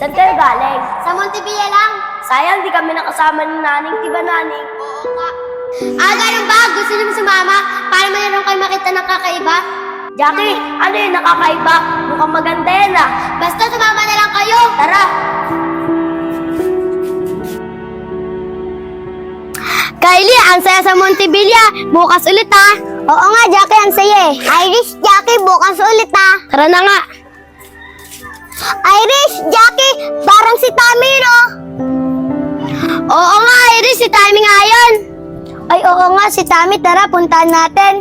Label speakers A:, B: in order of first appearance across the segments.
A: Saan kayo galing?
B: Sa Montevilla lang.
A: Sayang, di kami nakasama ni Naning. Di ba, Naning?
B: Oo nga. Ganun ba? Gusto niyo sumama para mayroon kayo makita ng kakaiba?
A: Jackie, ano yung nakakaiba? Mukhang maganda yan ah.
B: Basta sumama na lang kayo.
A: Tara!
B: Kylie, ang saya sa Montevilla. Bukas ulit ha. Oo nga, Jackie, ang saya eh. Irish, Jackie, bukas ulit ha.
A: Tara na nga!
B: Irish, Jackie, parang si Tommy, no? Oo nga, Irish, si Tommy nga yun. Ay, oo nga, si Tommy. Tara, puntahan natin.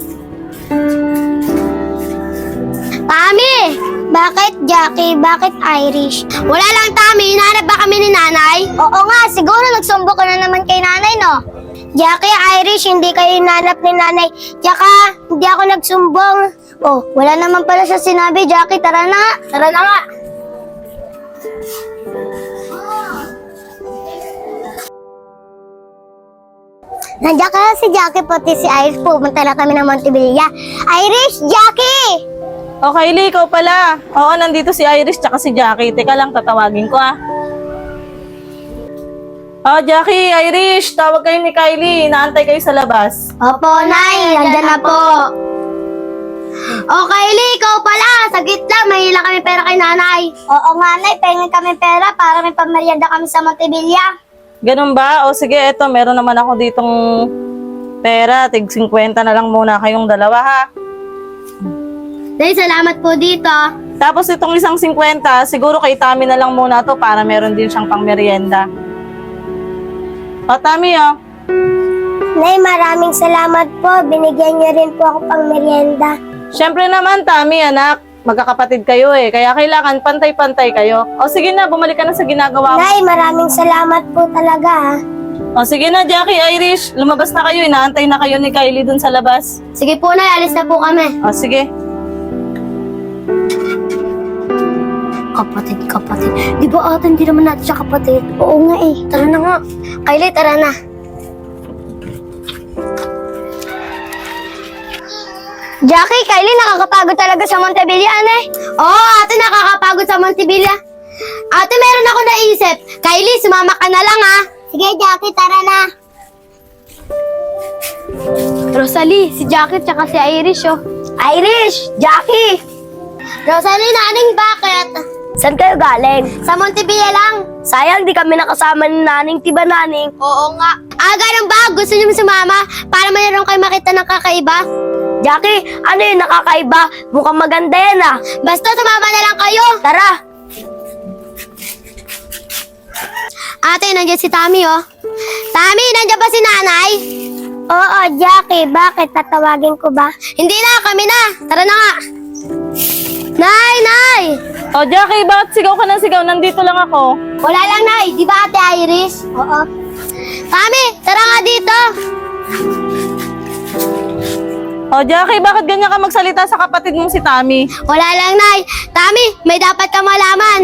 B: Tommy! Bakit, Jackie? Bakit Irish? Wala lang, Tommy. Hinahanap ba kami ni Nanay? Oo nga, siguro nagsumbo ka na naman kay Nanay, no? Jackie, Irish, hindi kayo hinahanap ni Nanay. Tsaka, hindi ako nagsumbong. Oh, wala naman pala siya sinabi, Jackie. Tara na.
A: Tara na nga!
B: Nandiyan ka na si Jackie, pati si Irish. Pumunta na kami ng Montevilla. Irish, Jackie!
C: O Kylie, ikaw pala. Oo, nandito si Irish tsaka si Jackie. Teka lang, tatawagin ko ah. Jackie, Irish, tawag kayo ni Kylie. Inaantay kayo sa labas.
B: Opo, Nay. Nandiyan na po. O, Kylie, ikaw pala. Saglit lang, may hila kami pera kay Nanay. Oo nga, Nay. Pahingin kami pera para may pamerienda kami sa Montevilla.
C: Ganun ba? O sige, eto, meron naman ako ditong pera. Tig 50 na lang muna kayong dalawa ha.
B: Nay, salamat po dito.
C: Tapos itong isang 50, siguro kay Tami na lang muna to para meron din siyang pang merienda. O Tami oh.
B: Nay, maraming salamat po. Binigyan niyo rin po ako pang merienda.
C: Siyempre naman Tami anak, magkakapatid kayo eh. Kaya kailangan pantay-pantay kayo. O sige na, bumalik ka na sa ginagawa mo.
B: Nay, maraming salamat po talaga.
C: O sige na Jackie, Irish, lumabas na kayo. Inaantay na kayo ni Kylie dun sa labas.
B: Sige po, Nay. Alis na po kami.
C: O sige.
B: Kapatid. Di ba ate, hindi naman natin siya kapatid? Oo nga eh. Tara na nga. Kylie, tara na. Jackie, Kylie, nakakapagod talaga sa Montevilla, ane? Oo, ate, nakakapagod sa Montevilla. Ate, meron ako naisip. Kylie, sumama ka na lang, ha? Sige, Jackie, tara na. Rosalie, si Jackie tsaka si Irish, oh. Irish! Jackie! Rosalie, Naning, bakit?
A: Saan kayo galing?
B: Sa Montevilla lang.
A: Sayang, di kami nakasama ni Naning. Di ba, Naning?
B: Oo nga. Ganun ba? Gusto niyo sumama para mayroon kayo makita ng kakaiba?
A: Jackie, ano yung nakakaiba? Mukhang maganda yan ah.
B: Basta sumama na lang kayo.
A: Tara!
B: Ate, nandiyan si Tommy, oh. Tommy, nandiyan ba si Nanay? Oo, Jackie. Bakit? Tatawagin ko ba? Hindi na, kami na. Tara na nga. Nay!
C: O Jackie, bakit sigaw ka ng sigaw? Nandito lang ako.
B: Wala lang, Nay. Di ba, Ate Iris? Oo. Tommy, tara nga dito.
C: O Jackie, bakit ganyan ka magsalita sa kapatid mong si Tami?
B: Wala lang, Nay. Tommy, may dapat ka malaman.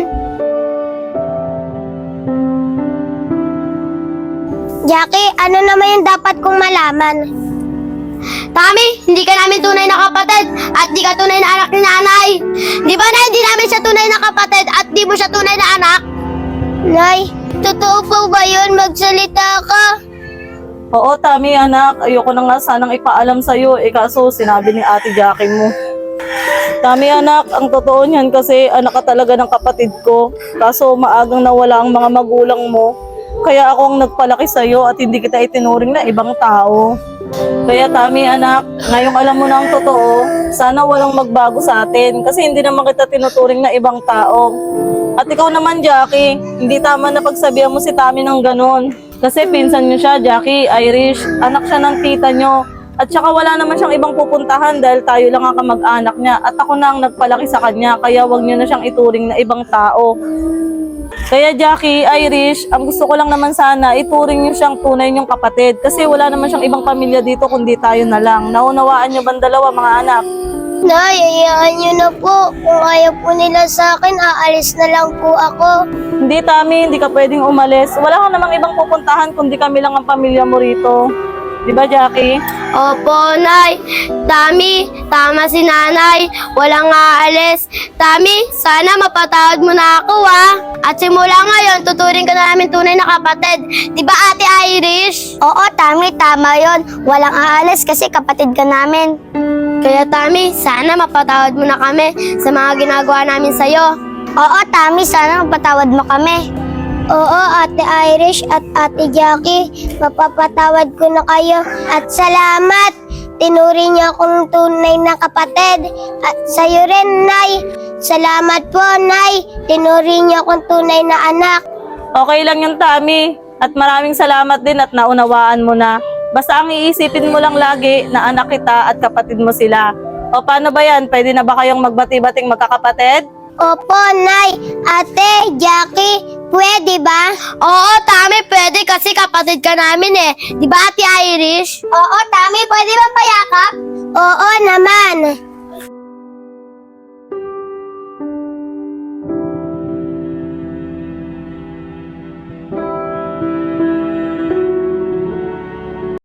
B: Jackie, ano naman yung dapat kong malaman? Tommy, hindi ka namin tunay na kapatid at di ka tunay na anak ni Nanay. Di ba, Nay, hindi namin siya tunay na kapatid at di mo siya tunay na anak? Nay, totoo po ba yun? Magsalita ka.
C: Oo, Tami, anak. Ayoko na nga sanang ipaalam sa'yo. Kaso sinabi ni Ate Jackie mo. Tami, anak, ang totoo niyan kasi anak ka talaga ng kapatid ko. Kaso maagang nawala ang mga magulang mo. Kaya ako ang nagpalaki sa'yo at hindi kita itinuring na ibang tao. Kaya Tami, anak, ngayong alam mo na ang totoo, sana walang magbago sa atin kasi hindi naman kita tinuturing na ibang tao. At ikaw naman, Jackie, hindi tama na pagsabihan mo si Tami ng ganun. Kasi pinsan niyo siya, Jackie, Irish, anak siya ng tita niyo. At saka wala naman siyang ibang pupuntahan dahil tayo lang ang kamag-anak niya. At ako na ang nagpalaki sa kanya, kaya wag niyo na siyang ituring na ibang tao. Kaya Jackie, Irish, ang gusto ko lang naman sana, ituring niyo siyang tunay niyong kapatid. Kasi wala naman siyang ibang pamilya dito kundi tayo na lang. Naunawaan niyo bang dalawa, mga anak?
B: Nay, hayaan niyo na po. Kung ayaw po nila sa akin, aalis na lang po ako.
C: Hindi, Tami, hindi ka pwedeng umalis. Wala ka namang ibang pupuntahan kundi kami lang ang pamilya mo rito. Di ba, Jackie?
B: Opo, Nay. Tami, tama si Nanay. Walang aalis. Tami, sana mapatawad mo na ako, ha? At simula ngayon, tuturing ka na namin tunay na kapatid. Di ba, Ate Irish? Oo, Tami, tama yon. Walang aalis kasi kapatid ka namin. Kaya, Tami, sana mapatawad mo na kami sa mga ginagawa namin sa'yo. Oo, Tami, sana mapatawad mo kami. Oo, Ate Irish at Ate Jackie, mapapatawad ko na kayo. At salamat, tinuring niyo akong tunay na kapatid. At sa'yo rin, Nay. Salamat po, Nay. Tinuring niyo akong tunay na anak.
C: Okay lang yung Tami. At maraming salamat din at naunawaan mo na. Basta ang iisipin mo lang lagi na anak kita at kapatid mo sila. O paano ba yan? Pwede na ba kayong magbati-bating magkakapatid?
B: Opo, Nay. Ate, Jackie, pwede ba? Oo, Tami, pwede kasi kapatid ka namin eh. Di ba, Ate Irish? Oo, Tami, pwede ba payakap? Oo naman.